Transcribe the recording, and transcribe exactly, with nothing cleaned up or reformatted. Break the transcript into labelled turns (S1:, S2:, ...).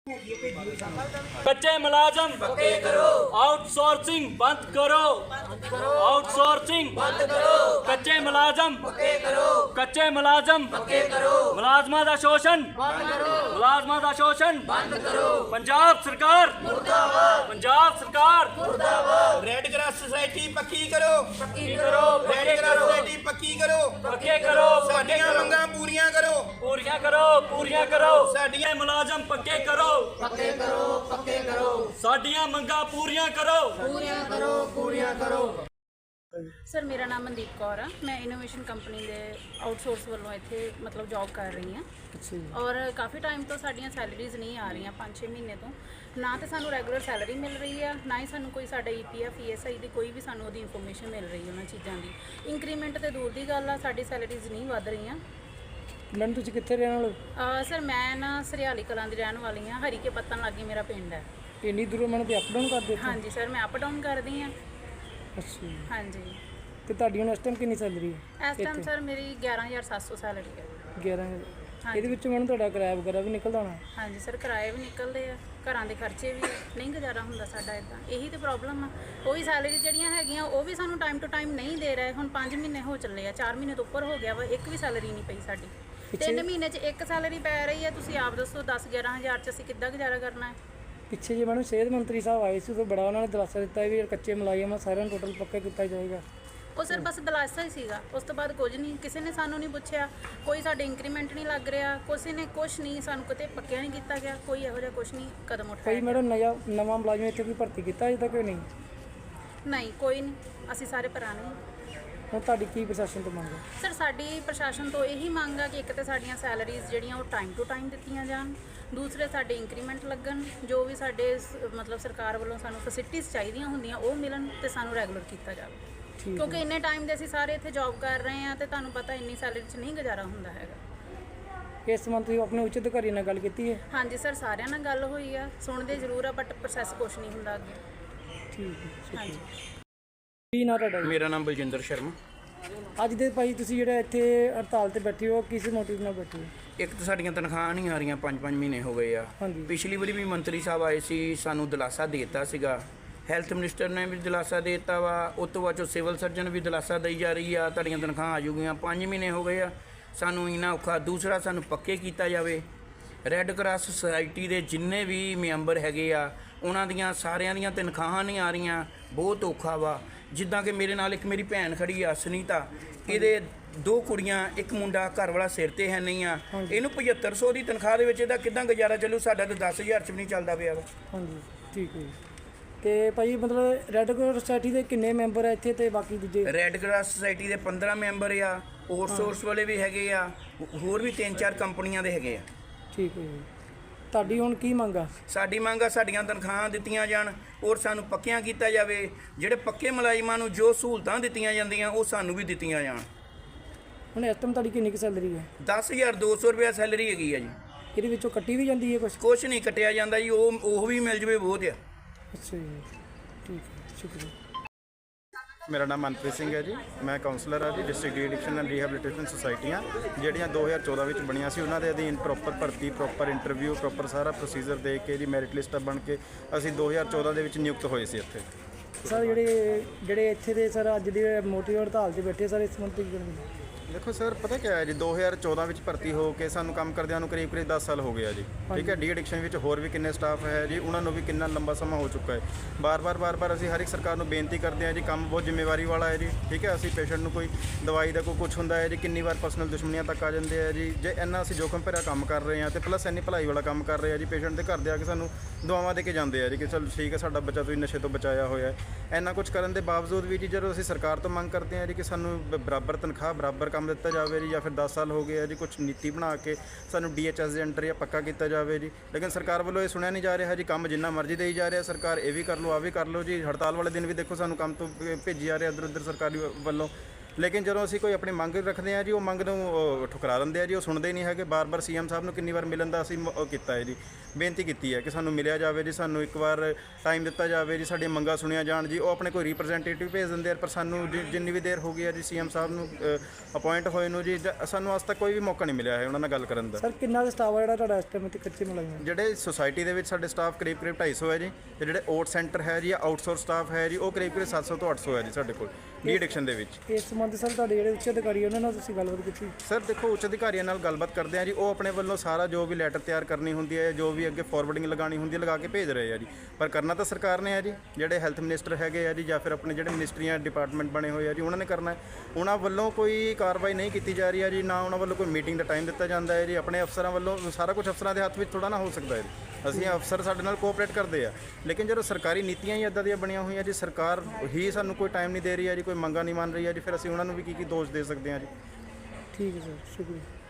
S1: कच्चे मुलाजम पक्के करो, आउटसोर्सिंग बंद करो, आउटसोर्सिंग बंद करो, कच्चे मुलाजम पक्के करो, कच्चे मुलाजम पक्के करो, मुलाजमां दा शोषण बंद करो, मुलाजमां दा शोषण बंद करो, पंजाब सरकार मुर्दाबाद, पंजाब सरकार मुर्दाबाद,
S2: रेड क्रॉस सोसाइटी पक्की करो,
S1: पक्की करो,
S2: रेड क्रॉस सोसाइटी पक्की करो,
S1: पक्के करो,
S2: साडियां मंगां पूरीਆਂ करो,
S1: पूरियां करो, पूरियां करो, साडियां मुलाजम पक्के करो, पक्के करो, पक्के करो, साडियां मंगां पूरियां करो, पूरियां करो, पूरियां करो।
S3: सर मेरा नाम मनदीप कौर है, मैं इनोवेशन कंपनी ਦੇ ਆਊਟਸੋਰਸ ਵੱਲੋਂ ਇੱਥੇ ਮਤਲਬ ਜੌਬ ਕਰ ਰਹੀ ਹਾਂ ਔਰ ਕਾਫੀ ਟਾਈਮ ਤੋਂ ਸਾਡੀਆਂ ਸੈਲਰੀਜ਼ ਨਹੀਂ ਆ ਰਹੀਆਂ ਪੰਜ ਛੇ ਮਹੀਨੇ ਤੋਂ ਨਾ ਤੇ ਸਾਨੂੰ ਰੈਗੂਲਰ ਸੈਲਰੀ ਮਿਲ ਰਹੀ ਆ ਨਾ ਹੀ ਸਾਨੂੰ ਕੋਈ ਸਾਡਾ ਈਪੀਐਫ ਈਐਸਆਈ ਦੀ ਕੋਈ ਵੀ ਸਾਨੂੰ ਉਹਦੀ ਇਨਫੋਰਮੇਸ਼ਨ ਮਿਲ ਰਹੀ ਉਹਨਾਂ ਚੀਜ਼ਾਂ ਦੀ ਇੰਕਰੀਮੈਂਟ ਤੇ ਦੂਰ ਦੀ ਗੱਲ ਆ ਸਾਡੀ ਸੈਲਰੀਜ਼ ਨਹੀਂ ਵੱਧ ਰਹੀਆਂ।
S4: ਮੈਮ ਤੁਸੀਂ ਕਿੱਥੇ ਰਹਿਣ ਵਾਲੇ?
S3: ਸਰ ਮੈਂ ਨਾ ਸਰਿਆਲੀ ਕਲਾਂ ਦੀ ਰਹਿਣ ਵਾਲੀ ਹਾਂ, ਹਰੀਕੇ ਪੱਤਨ ਲਾਗੇ ਮੇਰਾ ਪਿੰਡ ਹੈ।
S4: ਇੰਨੀ ਦੂਰੋਂ ਮੈਨੂੰ ਤੇ ਅਪ ਡਾਊਨ ਕਰਦੇ?
S3: ਹਾਂਜੀ ਸਰ ਮੈਂ ਅਪ ਡਾਊਨ ਕਰਦੀ ਹਾਂ।
S4: ਅੱਛਾ ਜੀ।
S3: ਹਾਂਜੀ
S4: ਤੇ ਤੁਹਾਡੀ ਹੁਣ ਇਸ ਟਾਈਮ ਕਿੰਨੀ ਸੈਲਰੀ ਹੈ?
S3: ਇਸ ਟਾਈਮ ਸਰ ਮੇਰੀ ਗਿਆਰਾਂ ਹਜ਼ਾਰ ਸੱਤ ਸੌ ਸੈਲਰੀ ਹੈ।
S4: ਗਿਆਰਾਂ ਹਜ਼ਾਰ। ਇਹਦੇ ਵਿੱਚ ਮੈਨੂੰ ਤੁਹਾਡਾ ਕਿਰਾਇਆ ਵਗੈਰਾ ਵੀ ਨਿਕਲਦਾ ਹੋਣਾ?
S3: ਹਾਂਜੀ ਸਰ ਕਿਰਾਏ ਵੀ ਨਿਕਲਦੇ ਆ, ਘਰਾਂ ਦੇ ਖਰਚੇ ਵੀ ਨਹੀਂ ਗੁਜ਼ਾਰਾ ਹੁੰਦਾ ਸਾਡਾ ਇੱਦਾਂ, ਇਹੀ ਤੇ ਪ੍ਰੋਬਲਮ ਆ। ਉਹੀ ਸੈਲਰੀ ਜਿਹੜੀਆਂ ਹੈਗੀਆਂ ਉਹ ਵੀ ਸਾਨੂੰ ਟਾਈਮ ਟੂ ਟਾਈਮ ਨਹੀਂ ਦੇ ਰਹੇ। ਹੁਣ ਪੰਜ ਮਹੀਨੇ ਹੋ ਚੱਲੇ ਆ, ਚਾਰ ਮਹੀਨੇ ਤੋਂ ਉੱਪਰ ਹੋ ਗਿਆ ਵਾ, ਇੱਕ ਵੀ ਸੈਲਰੀ ਨਹੀਂ ਪਈ ਸਾਡੀ। ਤਿੰਨ ਮਹੀਨੇ 'ਚ ਇੱਕ ਸੈਲਰੀ ਪੈ ਰਹੀ ਹੈ, ਤੁਸੀਂ ਆਪ ਦੱਸੋ ਦਸ ਗਿਆਰਾਂ ਹਜ਼ਾਰ 'ਚ ਅਸੀਂ ਕਿੱਦਾਂ ਗੁਜ਼ਾਰਾ ਕਰਨਾ ਹੈ?
S4: ਪਿੱਛੇ ਜੇ ਮੈਨੂੰ ਸਿਹਤ ਮੰਤਰੀ ਸਾਹਿਬ ਆਏ ਸੀ ਉਦੋਂ ਬੜਾ ਉਹਨਾਂ ਨੇ ਦਿਲਾਸਾ ਦਿੱਤਾ ਵੀ ਕੱਚੇ ਮੁਲਾਜ਼ਮ ਸਾਰਿਆਂ ਨੂੰ ਟੋਟਲ ਪੱਕਾ ਕੀਤਾ ਜਾਏਗਾ।
S3: ਉਹ ਸਰ ਬਸ ਦਿਲਾਸਾ ਹੀ ਸੀਗਾ, ਉਸ ਤੋਂ ਬਾਅਦ ਕੁਝ ਨਹੀਂ, ਕਿਸੇ ਨੇ ਸਾਨੂੰ ਨਹੀਂ ਪੁੱਛਿਆ, ਕੋਈ ਸਾਡੇ ਇੰਕਰੀਮੈਂਟ ਨਹੀਂ ਲੱਗ ਰਿਹਾ, ਕਿਸੇ ਨੇ ਕੁਛ ਨਹੀਂ, ਸਾਨੂੰ ਕਿਤੇ ਪੱਕਿਆ ਨਹੀਂ ਕੀਤਾ ਗਿਆ, ਕੋਈ ਇਹੋ ਜਿਹਾ ਕੁਛ ਨਹੀਂ ਕਦਮ
S4: ਭਾਈ
S3: ਉਠਾਇਆ।
S4: ਮੈਡਮ ਨਵਾਂ ਨਵਾਂ ਮੁਲਾਜ਼ਮ ਇੱਥੇ ਕੋਈ ਭਰਤੀ ਕੀਤਾ ਅਜੇ ਤੱਕ ਨਹੀਂ?
S3: ਨਹੀਂ ਕੋਈ ਨਹੀਂ, ਅਸੀਂ ਸਾਰੇ ਪੁਰਾਣੇ ਹਾਂ।
S4: ਹੁਣ ਤੁਹਾਡੀ ਕੀ ਪ੍ਰਸ਼ਾਸਨ ਤੋਂ ਮੰਗ ਹੈ?
S3: ਸਰ ਸਾਡੀ ਪ੍ਰਸ਼ਾਸਨ ਤੋਂ ਇਹੀ ਮੰਗ ਆ ਕਿ ਇੱਕ ਤਾਂ ਸਾਡੀਆਂ ਸੈਲਰੀਜ਼ ਜਿਹੜੀਆਂ ਉਹ ਟਾਈਮ ਟੂ ਟਾਈਮ ਦਿੱਤੀਆਂ ਜਾਣ, ਦੂਸਰੇ ਸਾਡੇ ਇੰਕਰੀਮੈਂਟ ਲੱਗਣ, ਜੋ ਵੀ ਸਾਡੇ ਸ- ਮਤਲਬ ਸਰਕਾਰ ਵੱਲੋਂ ਸਾਨੂੰ ਫੈਸਿਲਿਟੀਜ਼ ਚਾਹੀਦੀਆਂ ਹੁੰਦੀਆਂ ਉਹ ਮਿਲਣ ਤੇ ਸਾਨੂੰ ਰੈਗੂਲਰ ਕੀਤਾ ਜਾਵੇ। ਕਿਉਂਕਿ ਇੰਨੇ ਟਾਈਮ ਦੇ ਅਸੀਂ ਸਾਰੇ ਇੱਥੇ ਜੌਬ ਕਰ ਰਹੇ ਹਾਂ ਤੇ ਤੁਹਾਨੂੰ ਪਤਾ ਇੰਨੀ ਸੈਲਰੀ 'ਚ ਨਹੀਂ ਗੁਜ਼ਾਰਾ ਹੁੰਦਾ ਹੈਗਾ।
S4: ਇਸ ਸੰਬੰਧ ਤੁਸੀਂ ਆਪਣੇ ਉੱਚ ਅਧਿਕਾਰੀ ਨਾਲ ਗੱਲ ਕੀਤੀ ਹੈ?
S3: ਹਾਂਜੀ ਸਰ ਸਾਰਿਆਂ ਨਾਲ ਗੱਲ ਹੋਈ ਆ, ਸੁਣਦੇ ਜ਼ਰੂਰ ਆ ਬਟ ਪ੍ਰੋਸੈਸ ਕੁਛ ਨਹੀਂ ਹੁੰਦਾ ਅੱਗੇ।
S4: ਠੀਕ ਹੈ।
S3: ਹਾਂਜੀ
S4: ਕੀ ਨਾਂ ਤੁਹਾਡਾ ਜੀ?
S2: ਮੇਰਾ ਨਾਮ ਬਲਜਿੰਦਰ ਸ਼ਰਮਾ।
S4: ਅੱਜ ਦੇ ਭਾਈ ਤੁਸੀਂ ਜਿਹੜਾ ਇੱਥੇ ਹੜਤਾਲ ਤੇ ਬੈਠੇ ਹੋ ਕਿਸ ਮੋਟਿਵ ਨਾਲ ਬੈਠੇ ਹੋ?
S2: ਇੱਕ ਤਾਂ ਸਾਡੀਆਂ ਤਨਖਾਹਾਂ ਨਹੀਂ ਆ ਰਹੀਆਂ, ਪੰਜ ਪੰਜ ਮਹੀਨੇ ਹੋ ਗਏ ਆ।
S4: ਹਾਂਜੀ।
S2: ਪਿਛਲੀ ਵਾਰੀ ਵੀ ਮੰਤਰੀ ਸਾਹਿਬ ਆਏ ਸੀ, ਸਾਨੂੰ ਦਿਲਾਸਾ ਦੇ ਦਿੱਤਾ ਸੀਗਾ, ਹੈਲਥ ਮਿਨਿਸਟਰ ਨੇ ਵੀ ਦਿਲਾਸਾ ਦੇ ਦਿੱਤਾ ਵਾ, ਉਸ ਤੋਂ ਬਾਅਦ ਚੋਂ ਸਿਵਲ ਸਰਜਨ ਵੀ ਦਿਲਾਸਾ ਦੇਈ ਜਾ ਰਹੀ ਆ ਤੁਹਾਡੀਆਂ ਤਨਖਾਹਾਂ ਆ ਜੂਗੀਆਂ। ਪੰਜ ਮਹੀਨੇ ਹੋ ਗਏ ਆ, ਸਾਨੂੰ ਇੰਨਾ ਔਖਾ। ਦੂਸਰਾ ਸਾਨੂੰ ਪੱਕੇ ਕੀਤਾ ਜਾਵੇ। ਰੈੱਡ ਕਰਾਸ ਸੁਸਾਇਟੀ ਦੇ ਜਿੰਨੇ ਵੀ ਮੈਂਬਰ ਹੈਗੇ ਆ ਉਹਨਾਂ ਦੀਆਂ ਸਾਰਿਆਂ ਦੀਆਂ ਤਨਖਾਹਾਂ ਨਹੀਂ ਆ ਰਹੀਆਂ, ਬਹੁਤ ਔਖਾ ਵਾ। ਜਿੱਦਾਂ ਕਿ ਮੇਰੇ ਨਾਲ ਇੱਕ ਮੇਰੀ ਭੈਣ ਖੜੀ ਆ ਸੁਨੀਤਾ, ਇਹਦੇ ਦੋ ਕੁੜੀਆਂ ਇੱਕ ਮੁੰਡਾ, ਘਰ ਵਾਲਾ ਸਿਰ ਤੇ ਹੈ ਨਹੀਂ ਆ, ਇਹਨੂੰ ਪਝੱਤਰ ਸੌ ਦੀ ਤਨਖਾਹ ਦੇ ਵਿੱਚ ਇਹਦਾ ਕਿੱਦਾਂ ਗੁਜ਼ਾਰਾ ਚੱਲੂ? ਸਾਡਾ ਤਾਂ ਦਸ ਹਜ਼ਾਰ 'ਚ ਵੀ ਨਹੀਂ ਚੱਲਦਾ ਪਿਆ ਵਾ।
S4: ਹਾਂਜੀ ਠੀਕ ਹੈ ਜੀ। ਤੇ ਭਾਈ ਮਤਲਬ ਰੈੱਡ ਕਰਾਸ ਸੋਸਾਇਟੀ ਦੇ ਕਿੰਨੇ ਮੈਂਬਰ ਆ ਇੱਥੇ ਤੇ ਬਾਕੀ ਦੂਜੇ?
S2: ਰੈੱਡ ਕਰਾਸ ਸੁਸਾਇਟੀ ਦੇ ਪੰਦਰਾਂ ਮੈਂਬਰ ਆ, ਆਊਟਸੋਰਸ ਵਾਲੇ ਵੀ ਹੈਗੇ ਆ, ਹੋਰ ਵੀ ਤਿੰਨ ਚਾਰ ਕੰਪਨੀਆਂ ਦੇ ਹੈਗੇ ਆ।
S4: ਠੀਕ ਹੈ ਜੀ। ਤੁਹਾਡੀ ਹੁਣ ਕੀ ਮੰਗ ਆ?
S2: ਸਾਡੀ ਮੰਗ ਆ ਸਾਡੀਆਂ ਤਨਖਾਹਾਂ ਦਿੱਤੀਆਂ ਜਾਣ ਔਰ ਸਾਨੂੰ ਪੱਕਿਆਂ ਕੀਤਾ ਜਾਵੇ। ਜਿਹੜੇ ਪੱਕੇ ਮੁਲਾਜ਼ਮਾਂ ਨੂੰ ਜੋ ਸਹੂਲਤਾਂ ਦਿੱਤੀਆਂ ਜਾਂਦੀਆਂ ਉਹ ਸਾਨੂੰ ਵੀ ਦਿੱਤੀਆਂ ਜਾਣ।
S4: ਹੁਣ ਇਸ ਟਾਈਮ ਤੁਹਾਡੀ ਕਿੰਨੀ ਕੁ ਸੈਲਰੀ ਹੈ?
S2: ਦਸ ਹਜ਼ਾਰ ਦੋ ਸੌ ਰੁਪਇਆ ਸੈਲਰੀ ਹੈਗੀ ਆ ਜੀ।
S4: ਇਹਦੇ ਵਿੱਚੋਂ ਕੱਟੀ ਵੀ ਜਾਂਦੀ ਹੈ ਕੁਛ?
S2: ਕੁਛ ਨਹੀਂ ਕੱਟਿਆ ਜਾਂਦਾ ਜੀ, ਉਹ ਉਹ ਵੀ ਮਿਲ ਜਵੇ ਬਹੁਤ ਆ।
S4: ਅੱਛਾ ਜੀ ਠੀਕ ਹੈ, ਸ਼ੁਕਰੀਆ।
S5: ਮੇਰਾ ਨਾਮ ਮਨਪ੍ਰੀਤ ਸਿੰਘ ਹੈ ਜੀ, ਮੈਂ ਕਾਉਂਸਲਰ ਹਾਂ ਜੀ district de addiction and rehabilitation ਸੁਸਾਇਟੀਆਂ ਜਿਹੜੀਆਂ ਦੋ ਹਜ਼ਾਰ ਚੌਦਾਂ ਵਿੱਚ ਬਣੀਆਂ ਸੀ। ਉਹਨਾਂ ਦੇ ਅਧੀਨ ਪ੍ਰੋਪਰ ਭਰਤੀ, ਪ੍ਰੋਪਰ ਇੰਟਰਵਿਊ, ਪ੍ਰੋਪਰ ਸਾਰਾ ਪ੍ਰੋਸੀਜਰ ਦੇ ਕੇ ਜੀ ਮੈਰਿਟ ਲਿਸਟਾਂ ਬਣ ਕੇ ਅਸੀਂ ਦੋ ਹਜ਼ਾਰ ਚੌਦਾਂ ਦੇ ਵਿੱਚ ਨਿਯੁਕਤ ਹੋਏ ਸੀ ਇੱਥੇ।
S4: ਸਰ ਜਿਹੜੇ ਜਿਹੜੇ ਇੱਥੇ ਦੇ ਸਰ ਅੱਜ ਦੀ ਮੋਟੀ ਹੜਤਾਲ 'ਤੇ ਬੈਠੇ ਸਰ ਇਸ ਸੰਬੰਧੀ ਕੀ ਕਹਿਣਾ?
S5: ਦੇਖੋ ਸਰ ਪਤਾ ਕੀ ਹੈ ਜੀ, ਦੋ ਹਜ਼ਾਰ ਚੌਦਾਂ ਵਿੱਚ ਭਰਤੀ ਹੋ ਕੇ ਸਾਨੂੰ ਕੰਮ ਕਰਦਿਆਂ ਨੂੰ ਕਰੀਬ ਕਰੀਬ ਦਸ ਸਾਲ ਹੋ ਗਿਆ ਜੀ। ਠੀਕ ਹੈ। ਡੀ ਐਡਿਕਸ਼ਨ ਵਿੱਚ ਹੋਰ ਵੀ ਕਿੰਨੇ ਸਟਾਫ ਹੈ ਜੀ, ਉਹਨਾਂ ਨੂੰ ਵੀ ਕਿੰਨਾ ਲੰਬਾ ਸਮਾਂ ਹੋ ਚੁੱਕਾ ਹੈ। ਬਾਰ-ਬਾਰ ਬਾਰ-ਬਾਰ ਅਸੀਂ ਹਰ ਇੱਕ ਸਰਕਾਰ ਨੂੰ ਬੇਨਤੀ ਕਰਦੇ ਹਾਂ ਜੀ, ਕੰਮ ਬਹੁਤ ਜ਼ਿੰਮੇਵਾਰੀ ਵਾਲਾ ਹੈ ਜੀ। ਠੀਕ ਹੈ। ਅਸੀਂ ਪੇਸ਼ੈਂਟ ਨੂੰ ਕੋਈ ਦਵਾਈ ਦਾ ਕੋਈ ਕੁਛ ਹੁੰਦਾ ਹੈ ਜੀ, ਕਿੰਨੀ ਵਾਰ ਪਰਸਨਲ ਦੁਸ਼ਮਣੀਆਂ ਤੱਕ ਆ ਜਾਂਦੇ ਆ ਜੀ। ਜੇ ਇੰਨਾ ਅਸੀਂ ਜੋਖਮ ਭਰਿਆ ਕੰਮ ਕਰ ਰਹੇ ਹਾਂ ਤੇ ਪਲੱਸ ਇੰਨੀ ਭਲਾਈ ਵਾਲਾ ਕੰਮ ਕਰ ਰਹੇ ਹਾਂ ਜੀ, ਪੇਸ਼ੈਂਟ ਦੇ ਘਰ ਦੇ ਆ ਕੇ ਸਾਨੂੰ ਦੁਆਵਾਂ ਦੇ ਕੇ ਜਾਂਦੇ ਆ ਜੀ ਕਿ ਚਲ ਠੀਕ ਹੈ ਸਾਡਾ ਬੱਚਾ ਤੁਸੀਂ ਨਸ਼ੇ ਤੋਂ ਬਚਾਇਆ ਹੋਇਆ ਹੈ। ਇੰਨਾ ਕੁਛ ਕਰਨ ਦੇ ਬਾਵਜੂਦ ਵੀ ਜੀ ਜਦੋਂ ਅਸੀਂ ਸਰਕਾਰ ਤੋਂ ਮੰਗ ਕਰਦੇ ਹਾਂ ਜੀ ਕਿ ਸਾਨੂੰ ਬਰਾਬਰ ਤਨਖਾਹ, ਬਰਾਬਰ ਕੰਮ ਦਿੱਤਾ ਜਾਵੇ ਜੀ, ਜਾਂ ਫਿਰ ਦਸ ਸਾਲ ਹੋ ਗਏ ਆ ਜੀ, ਕੁਛ ਨੀਤੀ ਬਣਾ ਕੇ ਸਾਨੂੰ ਡੀ ਐਚ ਐਸ ਦੇ ਅੰਡਰ ਜਾਂ ਪੱਕਾ ਕੀਤਾ ਜਾਵੇ ਜੀ। ਲੇਕਿਨ ਸਰਕਾਰ ਵੱਲੋਂ ਇਹ ਸੁਣਿਆ ਨਹੀਂ ਜਾ ਰਿਹਾ ਜੀ। ਕੰਮ ਜਿੰਨਾ ਮਰਜ਼ੀ ਦੇਈ ਜਾ ਰਿਹਾ ਸਰਕਾਰ, ਇਹ ਵੀ ਕਰ ਲਓ, ਆ ਵੀ ਕਰ ਲਓ ਜੀ। ਹੜਤਾਲ ਵਾਲੇ ਦਿਨ ਵੀ ਦੇਖੋ ਸਾਨੂੰ ਕੰਮ ਤੋਂ ਭੇਜੀ ਜਾ ਰਿਹਾ ਇੱਧਰ ਉੱਧਰ ਸਰਕਾਰੀ ਵੱਲੋਂ। ਲੇਕਿਨ ਜਦੋਂ ਅਸੀਂ ਕੋਈ ਆਪਣੀ ਮੰਗ ਰੱਖਦੇ ਹਾਂ ਜੀ, ਉਹ ਮੰਗ ਨੂੰ ਉਹ ਠੁਕਰਾ ਦਿੰਦੇ ਆ ਜੀ, ਉਹ ਸੁਣਦੇ ਨਹੀਂ ਹੈਗੇ। ਬਾਰ-ਬਾਰ ਸੀਐਮ ਸਾਹਿਬ ਨੂੰ ਕਿੰਨੀ ਵਾਰ ਮਿਲਣ ਦਾ ਅਸੀਂ ਮ- ਉਹ ਕੀਤਾ ਹੈ ਜੀ, ਬੇਨਤੀ ਕੀਤੀ ਹੈ ਕਿ ਸਾਨੂੰ ਮਿਲਿਆ ਜਾਵੇ ਜੀ, ਸਾਨੂੰ ਇੱਕ ਵਾਰ ਟਾਈਮ ਦਿੱਤਾ ਜਾਵੇ ਜੀ, ਸਾਡੀਆਂ ਮੰਗਾਂ ਸੁਣੀਆਂ ਜਾਣ ਜੀ। ਉਹ ਆਪਣੇ ਕੋਈ ਰਿਪਰੈਜ਼ੈਂਟੇਟਿਵ ਭੇਜ ਦਿੰਦੇ ਆ, ਪਰ ਸਾਨੂੰ ਜਿ- ਜਿੰਨੀ ਵੀ ਦੇਰ ਹੋ ਗਈ ਹੈ ਜੀ ਸੀਐਮ ਸਾਹਿਬ ਨੂੰ ਅਪਾਇੰਟ ਹੋਏ ਨੂੰ ਜੀ, ਜ- ਸਾਨੂੰ ਅੱਜ ਤੱਕ ਕੋਈ ਵੀ ਮੌਕਾ ਨਹੀਂ ਮਿਲਿਆ ਹੈ ਉਹਨਾਂ ਨਾਲ ਗੱਲ ਕਰਨ ਦਾ।
S4: ਸਰ ਕਿੰਨਾ ਕੁ ਸਟਾਫ ਆ ਜਿਹੜਾ ਤੁਹਾਡਾ ਇਸ ਟਾਈਮ ਇੱਥੇ ਕੱਚੇ ਮੁਲਾਜ਼ਮ?
S5: ਜਿਹੜੇ ਸੁਸਾਇਟੀ ਦੇ ਵਿੱਚ ਸਾਡੇ ਸਟਾਫ ਕਰੀਬ ਕਰੀਬ ਢਾਈ ਸੌ ਹੈ ਜੀ, ਤੇ ਜਿਹੜੇ ਓਟ ਸੈਂਟਰ ਹੈ ਜੀ, ਆਊਟਸੋਰਸ ਸਟਾਫ ਹੈ ਜੀ, ਉਹ ਕਰੀਬ ਕਰੀਬ ਸੱਤ ਸੌ ਤੋਂ ਅੱਠ ਸੌ ਹੈ ਜੀ ਸਾਡੇ ਕੋਲ ਡੀ ਐਡਿਕਸ਼ਨ ਦੇ ਵਿੱਚ।
S4: ਇਸ ਸੰਬੰਧ ਸਰ ਤੁਹਾਡੇ ਜਿਹੜੇ ਉੱਚ ਅਧਿਕਾਰੀ ਉਹਨਾਂ ਨਾਲ ਤੁਸੀਂ ਗੱਲਬਾਤ ਕੀਤੀ?
S5: ਸਰ ਦੇਖੋ, ਉੱਚ ਅਧਿਕਾਰੀਆਂ ਨਾਲ ਗੱਲਬਾਤ ਕਰਦੇ ਆ ਜੀ, ਉਹ ਆਪਣੇ ਵੱਲੋਂ ਸਾਰਾ ਜੋ ਵੀ ਲੈਟਰ ਤਿਆਰ ਕਰਨੀ ਹੁੰਦੀ ਹੈ, ਜੋ ਵੀ ਅੱਗੇ ਫਾਰਵਰਡਿੰਗ ਲਗਾਉਣੀ ਹੁੰਦੀ ਹੈ, ਲਗਾ ਕੇ ਭੇਜ ਰਹੇ ਆ ਜੀ। ਪਰ ਕਰਨਾ ਤਾਂ ਸਰਕਾਰ ਨੇ ਹੈ ਜੀ, ਜਿਹੜੇ ਹੈਲਥ ਮਿਨਿਸਟਰ ਹੈਗੇ ਆ ਜੀ, ਜਾਂ ਫਿਰ ਆਪਣੇ ਜਿਹੜੇ ਮਿਨਿਸਟਰੀਆਂ ਡਿਪਾਰਟਮੈਂਟ ਬਣੇ ਹੋਏ ਆ ਜੀ, ਉਹਨਾਂ ਨੇ ਕਰਨਾ ਹੈ। ਉਹਨਾਂ ਵੱਲੋਂ ਕੋਈ ਕਾਰਵਾਈ ਨਹੀਂ ਕੀਤੀ ਜਾ ਰਹੀ ਹੈ ਜੀ, ਨਾ ਉਹਨਾਂ ਵੱਲੋਂ ਕੋਈ ਮੀਟਿੰਗ ਦਾ ਟਾਈਮ ਦਿੱਤਾ ਜਾਂਦਾ ਹੈ ਜੀ। ਆਪਣੇ ਅਫਸਰਾਂ ਵੱਲੋਂ ਸਾਰਾ ਕੁਝ ਅਫਸਰਾਂ ਦੇ ਹੱਥ ਵਿੱਚ ਥੋੜਾ ਨਾ ਹੋ ਸਕਦਾ ਹੈ ਜੀ। ਅਸੀਂ ਅਫਸਰ ਸਾਡੇ ਨਾਲ ਕੋਆਪਰੇਟ ਕਰਦੇ ਆ, ਲੇਕਿਨ ਜਦੋਂ ਸਰਕਾਰੀ ਨੀਤੀਆਂ ਹੀ ਇੱਦਾਂ ਦੀਆਂ ਬਣੀਆਂ ਹੋਈਆਂ ਜੀ, ਸਰਕਾਰ ਹੀ ਸਾਨੂੰ ਕੋਈ ਟਾਈਮ ਨਹੀਂ ਦੇ ਰਹੀ ਹੈ ਜੀ, ਕੋਈ ਮੰਗਾਂ ਨਹੀਂ ਮੰਨ ਰਹੀ ਹੈ ਜੀ, ਫਿਰ ਅਸੀਂ ਉਹਨਾਂ ਨੂੰ ਵੀ ਕੀ ਕੀ ਦੋਸ਼ ਦੇ ਸਕਦੇ ਹਾਂ ਜੀ।
S4: ਠੀਕ ਹੈ ਸਰ, ਸ਼ੁਕਰੀਆ।